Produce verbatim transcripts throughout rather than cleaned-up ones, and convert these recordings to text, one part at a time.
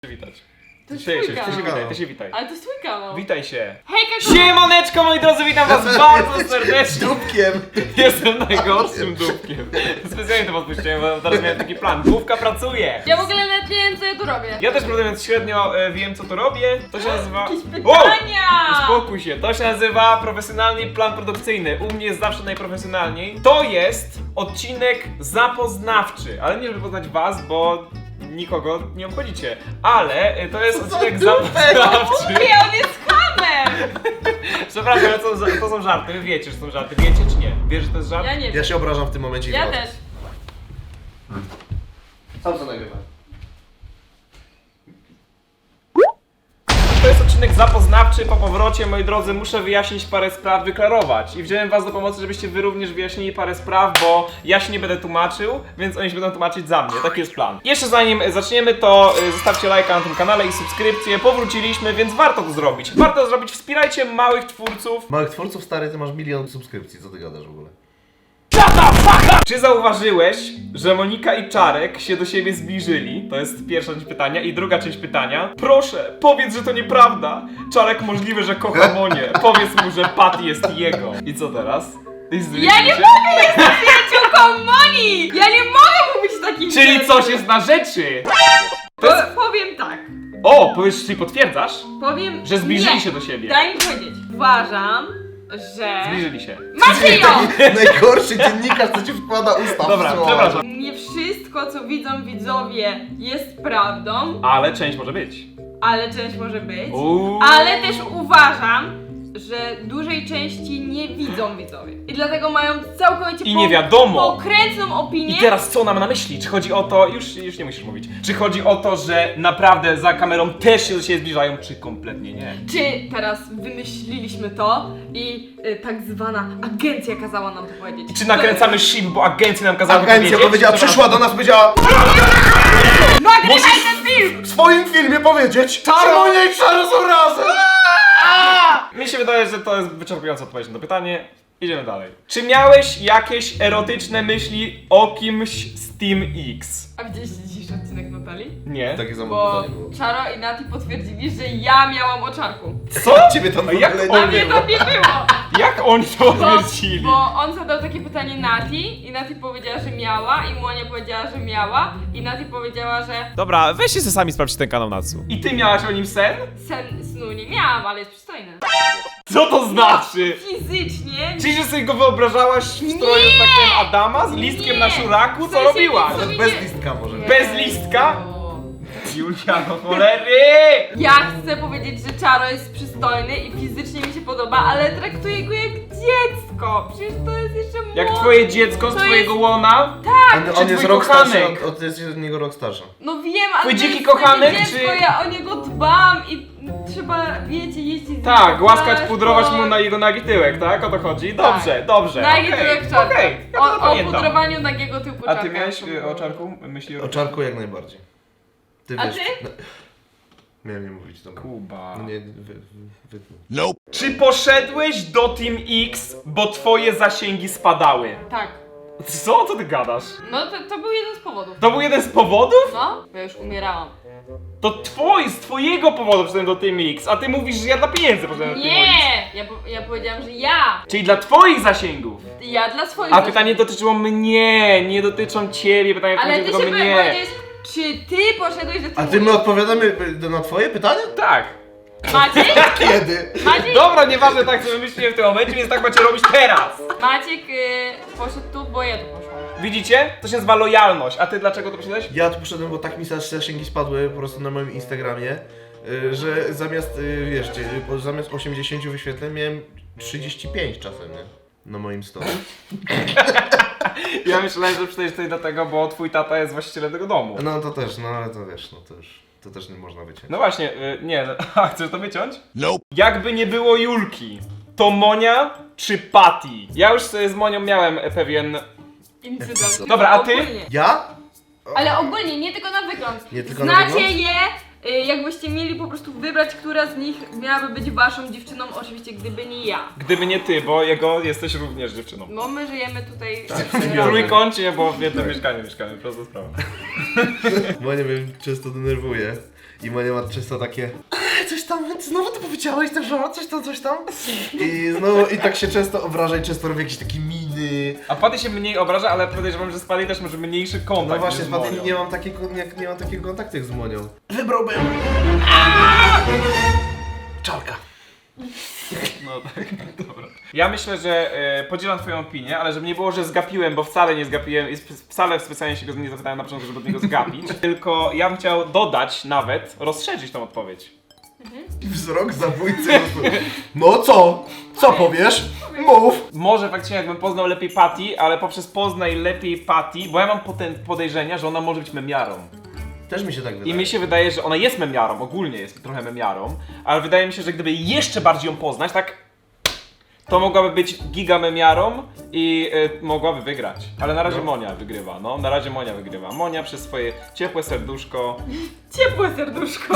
Witać. To jest Ty się, twój ty się kanał. witaj, ty się witaj. Ale to jest twój kanał. Witaj się. Hejka, Siemaneczko moi drodzy, witam was bardzo serdecznie. Dupkiem! Jestem najgorszym dupkiem. Specjalnie to podpuściłem, bo teraz miałem taki plan. Główka pracuje. Ja w ogóle nawet nie wiem, co ja tu robię. Ja też prawdę mówiąc średnio e, wiem co tu robię. To się nazywa... Jakieś O! pytania! Uspokój się, to się nazywa profesjonalny plan produkcyjny. U mnie jest zawsze najprofesjonalniej. To jest odcinek zapoznawczy, ale nie żeby poznać was, bo nikogo nie obchodzicie. Ale e, to jest odcinek zapoznawczy. Mówię, on jest hamem! Przepraszam, ale to, to są żarty, wy wiecie, że są żarty. Wiecie czy nie? Wiesz, że to jest żart? Ja nie Ja wiem. się obrażam w tym momencie i Ja wychodzę. też. Sam co nagrywam. To jest odcinek zapoznawczy. Po powrocie, moi drodzy, muszę wyjaśnić parę spraw, wyklarować. I wziąłem was do pomocy, żebyście wy również wyjaśnili parę spraw, bo ja się nie będę tłumaczył, więc oni się będą tłumaczyć za mnie. Taki jest plan. Jeszcze zanim zaczniemy, to y, zostawcie lajka na tym kanale i subskrypcję. Powróciliśmy, więc warto to zrobić. Warto to zrobić. Wspierajcie małych twórców. Małych twórców, stary, ty masz milion subskrypcji, co ty gadasz w ogóle? Czy zauważyłeś, że Monika i Czarek się do siebie zbliżyli? To jest pierwsza część pytania. I druga część pytania. Proszę, powiedz, że to nieprawda. Czarek możliwe, że kocha Monię. Powiedz mu, że Patty jest jego. I co teraz? I Ja nie mogę być przyjaciółką Moni! Ja nie mogę mówić takich Czyli rzeczy. coś jest na rzeczy! Po, powiem tak. O, powiesz, czyli potwierdzasz, Powiem... że zbliżyli nie. się do siebie. Daj mi powiedzieć. Uważam, że... Zbliżyli się. Macie ją! Najgorszy dziennikarz, co ci wkłada usta w Dobra, słowa. przepraszam. Nie wszystko, co widzą widzowie, jest prawdą, Ale część może być. ale część może być. Uuu. Ale też uważam, że dużej części nie widzą widzowie. I dlatego mają całkowicie I nie wiadomo. pokrętną opinię. I teraz co nam na myśli? Czy chodzi o to, już, już nie musisz mówić, czy chodzi o to, że naprawdę za kamerą też się do siebie zbliżają, czy kompletnie nie? Czy teraz wymyśliliśmy to i y, tak zwana agencja kazała nam to powiedzieć. Czy nakręcamy ship, bo agencja nam kazała Agencja powiedzieć? powiedziała, Dobra. przyszła do nas, powiedziała Nagrywaj ten film! w swoim filmie powiedzieć, że Monia i Czaro są razem! Mi się wydaje, że to jest wyczerpująca odpowiedź na to pytanie. Idziemy dalej. Czy miałeś jakieś erotyczne myśli o kimś z Team X? A widzieliście dzisiejszy odcinek Natalii? Nie. Takie samo Bo pytanie było. Czaro i Nati potwierdzili, że ja miałam oczarku. Co? Ciebie tam A jak w ogóle on A nie mnie było. to nie było! Jak oni to Bo, odwiercili? bo on zadał takie pytanie Nati i Nati powiedziała, że miała i Monia powiedziała, że miała i Nati powiedziała, że Dobra, weźcie sobie sami sprawdźcie ten kanał Natsu. I ty miałaś o nim sen? sen snu nie miałam, ale jest przystojny. Co to znaczy? Fizycznie Czyli, że sobie go wyobrażałaś w stroju, że tak powiem, Adama z listkiem Nie. na szuraku? W Co sensie robiłaś? nic Nawet sobie bez nie- listka może. Nie. Bez listka? O. Julia, no cholery! Ja chcę powiedzieć, że Czaro jest przystojny i fizycznie mi się podoba, ale traktuję go jak dziecko. Przecież to jest jeszcze młode. Jak twoje dziecko z To twojego jest- łona? On, czy on jest twój rok starszy, kochanek? od, od, jest od niego rok starszy. No wiem, ale Twój to dziki jest kochanek, dziecko, czy- ja o niego dbam i trzeba, wiecie, jeździć z nim Tak, po głaskać, plaży, pudrować po- mu na jego nagi tyłek, tak? O to chodzi? Dobrze, Tak. dobrze. Nagi okej, tyłek czarka. okej, ja to O, o zapamiętam. pudrowaniu nagiego tyłku A czarka. ty miałeś to y, było. o czarku myśli O Czarku jak najbardziej. Ty A wiesz. ty? No, miałem nie mówić, dobra. Kuba. No nie, wy, wy, wy. Czy poszedłeś do Team X, bo twoje zasięgi spadały? Tak. Co? Co ty gadasz? No to, to był jeden z powodów. To był jeden z powodów? No, bo ja już umierałam. To twój, z twojego powodu poszedłem do Team X, a ty mówisz, że ja dla pieniędzy poszedłem do Team X. Nie! Ja, po- ja powiedziałam, że ja. Czyli dla twoich zasięgów. Ja dla swoich A zasięgów. pytanie dotyczyło mnie, nie dotyczą ciebie, pytanie Ale ty dotyczyło się mnie. powiedziałeś, czy ty poszedłeś do A Team ty my X? odpowiadamy y, na twoje pytanie? Tak. Maciek? Kiedy? Maciek? Dobra, nieważne tak sobie myślicie w tym momencie, więc tak macie robić teraz. Maciek y, poszedł tu, bo ja tu poszłam. Widzicie? To się nazywa lojalność. A ty dlaczego to poszedłeś? Ja tu poszedłem, bo tak mi zasięgi spadły po prostu na moim Instagramie, y, że zamiast, y, wiesz, y, bo zamiast osiemdziesiąt wyświetleń miałem trzydzieści pięć czasem, nie? Na moim story. Ja myślałem, że przecież tutaj dlatego, bo twój tata jest właścicielem tego domu. No to też, no ale to wiesz, no to już, to też nie można wyciąć. No właśnie, y, nie, no, a chcesz to wyciąć? Nope. Jakby nie było Julki, to Monia czy Patty? Ja już sobie z Monią miałem e, pewien... Incydent. Dobra, a ty? Ogólnie. Ja? Ale ogólnie, nie tylko na wygląd. Nie tylko na Znacie wygląd? je, y, jakbyście mieli po prostu wybrać, która z nich miałaby być waszą dziewczyną, oczywiście gdyby nie ja. Gdyby nie ty, bo jego jesteś również dziewczyną. No my żyjemy tutaj Tak, w W trójkącie, bo w jednym mieszkaniu mieszkamy, prosta sprawa. Monia mnie często denerwuje. I Monia ma często takie coś tam, znowu to powiedziałeś, tak, że coś tam, coś tam. I znowu, i tak się często obraża i często robi jakieś takie miny. A Patty się mniej obraża, ale podejrzewam, że z Patty też może mniejszy kontakt. No właśnie, niż z z Patty Monią. nie mam takiego, nie, nie mam takiego kontaktu jak z Monią. Wybrałbym... Czarka. No tak, dobra. Ja myślę, że e, podzielam twoją opinię, ale żeby nie było, że zgapiłem, bo wcale nie zgapiłem i sp- wcale specjalnie się go nie zapytałem na początku, żeby od niego zgapić, tylko ja bym chciał dodać nawet, rozszerzyć tą odpowiedź. Wzrok zabójcy. po prostu. No co? Co powiesz? Mów. Może faktycznie jakbym poznał lepiej Patty, ale poprzez poznaj lepiej Patty, bo ja mam poten- podejrzenia, że ona może być memiarą. Też mi się tak wydaje. I mi się wydaje, że ona jest memiarą, ogólnie jest trochę memiarą, ale wydaje mi się, że gdyby jeszcze bardziej ją poznać, tak, to mogłaby być giga memiarą i y, mogłaby wygrać. Ale na razie No. Monia wygrywa, no, na razie Monia wygrywa. Monia przez swoje ciepłe serduszko. Ciepłe serduszko.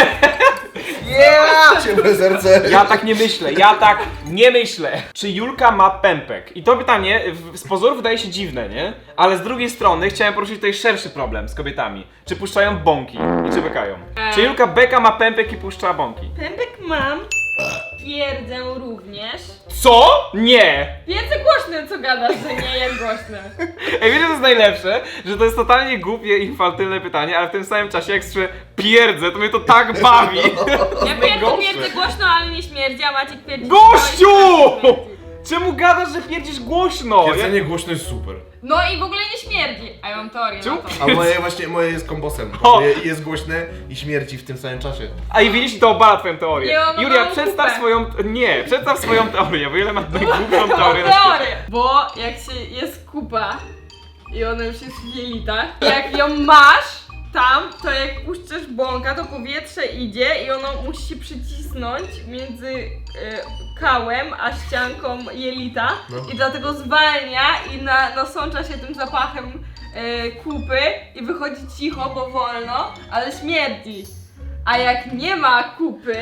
Yeah! Ciepłe serce. Ja tak nie myślę, ja tak nie myślę. Czy Julka ma pępek? I to pytanie w- z pozoru wydaje się dziwne, nie? Ale z drugiej strony chciałem poruszyć tutaj szerszy problem z kobietami. Czy puszczają bąki i czy bekają? Eee. Czy Julka beka ma pępek i puszcza bąki? Pępek mam. Twierdzę również. Co? Nie! Więcej głośny, co gadasz, że nie jest głośny. Ej, wiecie co jest najlepsze? Że to jest totalnie głupie i infantylne pytanie, ale w tym samym czasie jak słyszę pierdzę, to mnie to tak bawi. Ja pierdolę Najgorsze. pierdzę głośno, ale nie śmierdzi, a Maciek pierdzi Gościu! głośno, ale nie śmierdzi. Czemu gadasz, że pierdzisz głośno? Jedzenie głośno jest super. No i w ogóle nie śmierdzi. A ja mam teorię Czemu? na to. A moje właśnie, moje jest kombosem. O! Moje jest głośne i śmierci w tym samym czasie. A i widzisz, to obala twoją teorię. Nie, ona Julia, ma przedstaw kupę. swoją... Nie, przedstaw swoją teorię, bo ile ma najgłupszą teorię na świecie. Teorię. Bo jak się jest kupa i ona już jest w jelitach, jak ją masz tam, to jak puszczasz bąka, to powietrze idzie i ono musi się przycisnąć między y, kałem a ścianką jelita No. i dlatego zwalnia i na, nasącza się tym zapachem y, kupy i wychodzi cicho, bo wolno, ale śmierdzi. A jak nie ma kupy,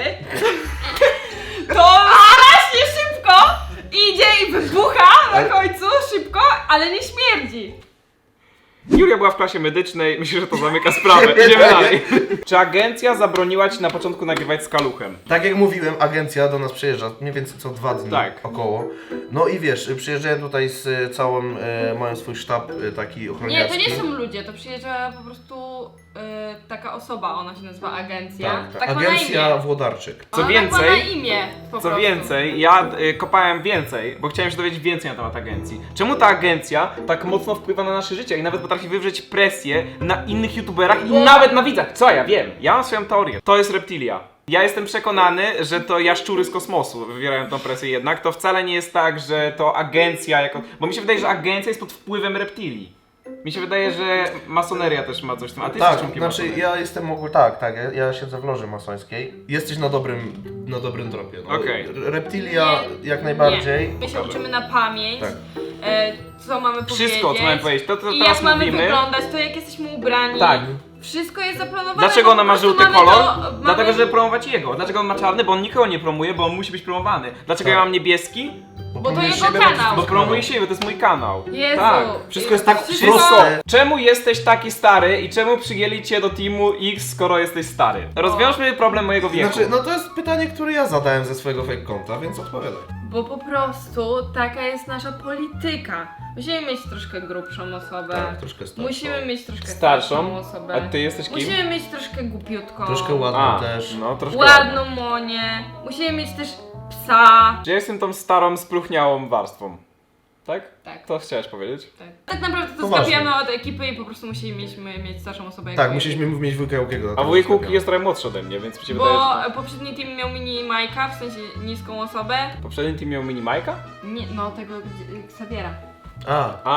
to strasznie szybko idzie i wybucha na Ale- końcu, szybko, ale nie śmierdzi. Julia była w klasie medycznej, myślę, że to zamyka sprawę. Idziemy dalej. Czy agencja zabroniła ci na początku nagrywać z kaluchem? Tak jak mówiłem, agencja do nas przyjeżdża mniej więcej co dwa dni Tak. około. No i wiesz, przyjeżdżałem tutaj z e, całą, e, mają swój sztab e, taki Nie, ochroniarski. to nie są ludzie, to przyjeżdża po prostu y, taka osoba, ona się nazywa agencja. Tak, tak. ma na Agencja imię. Włodarczyk. Co Ona więcej- tak ma na imię, po Co prostu. więcej, ja y, kopałem więcej, bo chciałem się dowiedzieć więcej na temat agencji. Czemu ta agencja tak mocno wpływa na nasze życie i nawet potrafi wywrzeć presję na innych youtuberach i Bo- nawet na widzach? Co ja wiem? Ja mam swoją teorię. To jest reptilia. Ja jestem przekonany, że to jaszczury z kosmosu wywierają tą presję jednak. To wcale nie jest tak, że to agencja jako... Bo mi się wydaje, że agencja jest pod wpływem reptilii. Mi się wydaje, że masoneria też ma coś w tym. A ty jesteś Tak, członkiem znaczy masonerii. ja jestem ogólnie, tak, tak, ja, ja siedzę w loży masońskiej. Jesteś na dobrym, na dobrym tropie. No. Okej. Reptilia Nie, jak najbardziej. Nie. My się Pokażę. uczymy na pamięć, Tak. e, co mamy powiedzieć. Wszystko, co mamy powiedzieć. To, co I teraz jak mamy mówimy... wyglądać, to jak jesteśmy ubrani. Tak. Wszystko jest zaplanowane. Dlaczego bo ona po ma prostu żółty mamy kolor? to- mamy- Dlatego, żeby promować jego. Dlaczego on ma czarny? Bo on nikogo nie promuje, bo on musi być promowany. Dlaczego Tak. ja mam niebieski? Bo to promujesz jego siebie, kanał. Bo to promuję siebie, bo to jest mój kanał. Jezu. Tak. Wszystko jest tak Wszystko- proste. Czemu jesteś taki stary i czemu przyjęli cię do teamu X, skoro jesteś stary? Rozwiążmy problem mojego wieku. Znaczy, no to jest pytanie, które ja zadałem ze swojego fake konta, więc odpowiadaj. Bo po prostu taka jest nasza polityka. Musimy mieć troszkę grubszą osobę. Tak, troszkę starszą. Musimy mieć troszkę Starszą? starszą osobę. A ty jesteś kim? Musimy mieć troszkę głupiutką. Troszkę ładną A, też. no troszkę Ładną Monię. Musimy mieć też psa. Że ja jestem tą starą, spluchniałą warstwą. Tak? Tak. To chciałeś powiedzieć? Tak, tak naprawdę to Poważnie. skapiamy od ekipy i po prostu musimy mieć starszą osobę. jak Tak, my. musieliśmy mieć wujka Łukiego. na A to wujek zostawiam. Łuki jest trochę młodszy ode mnie, więc mi się wydaje, Bo że... poprzedni team miał mini Majka, w sensie niską osobę. Poprzedni team miał mini Majka? Nie, no tego gdzie- Xaviera. A, A,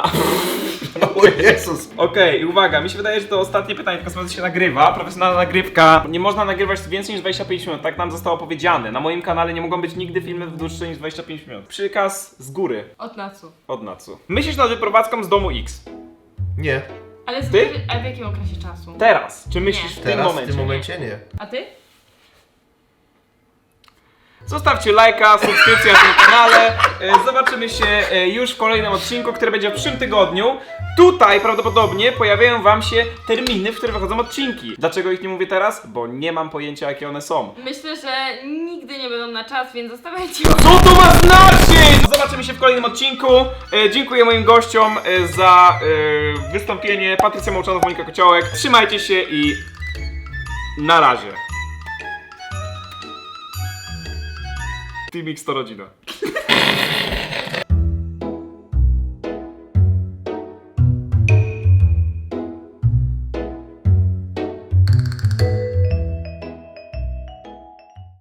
o Jezus. okej, i uwaga, mi się wydaje, że to ostatnie pytanie, tylko sprawdzę, się nagrywa, profesjonalna nagrywka. Nie można nagrywać więcej niż dwadzieścia pięć minut, tak nam zostało powiedziane. Na moim kanale nie mogą być nigdy filmy dłuższe niż dwadzieścia pięć minut. Przykaz z góry, Od Natsu. od Natsu. Myślisz nad wyprowadzką z domu X. Nie, Ale z, Ty? a w jakim okresie czasu? Teraz, czy myślisz Nie. w tym teraz w momencie? tym momencie nie. A ty? Zostawcie lajka, subskrypcję na tym kanale. E, Zobaczymy się e, już w kolejnym odcinku, który będzie w przyszłym tygodniu. Tutaj prawdopodobnie pojawiają wam się terminy, w których wychodzą odcinki. Dlaczego ich nie mówię teraz? Bo nie mam pojęcia, jakie one są. Myślę, że nigdy nie będą na czas, więc zostawiajcie. Co to ma znaczyć? Zobaczymy się w kolejnym odcinku. E, dziękuję moim gościom e, za e, wystąpienie. Patrycja Mołczanow, Monika Kociołek. Trzymajcie się i na razie. Team X to rodzina.